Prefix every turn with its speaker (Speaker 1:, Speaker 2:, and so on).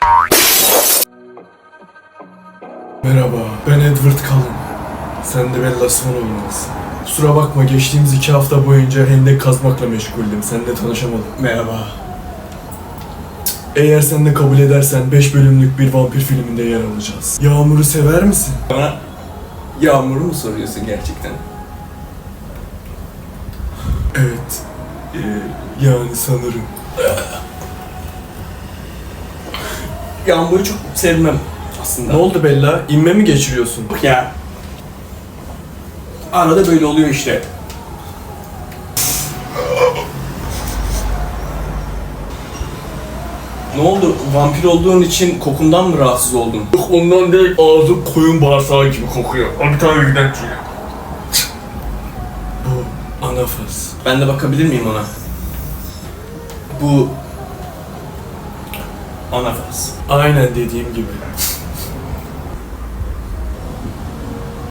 Speaker 1: Merhaba, ben Edward Cullen. Sen de Bella Swan olmalısın. Kusura bakma, geçtiğimiz 2 hafta boyunca hendek kazmakla meşguldüm. Seninle tanışamadım. Merhaba. Eğer sen de kabul edersen 5 bölümlük bir vampir filminde yer alacağız. Yağmur'u sever misin?
Speaker 2: Bana Yağmur'u mu soruyorsun gerçekten?
Speaker 1: Evet. Yani sanırım.
Speaker 2: Yağmur'u çok sevmem aslında.
Speaker 1: Ne oldu Bella? İnme mi geçiriyorsun?
Speaker 2: Yok ya. Arada böyle oluyor işte. Ne oldu? Vampir olduğun için kokumdan mı rahatsız oldun?
Speaker 1: Yok, ondan değil, ağzım koyun bağırsağı gibi kokuyor. Hadi tabii giden Bu anafas.
Speaker 2: Ben de bakabilir miyim ona? Bu anafas.
Speaker 1: Aynen dediğim gibi.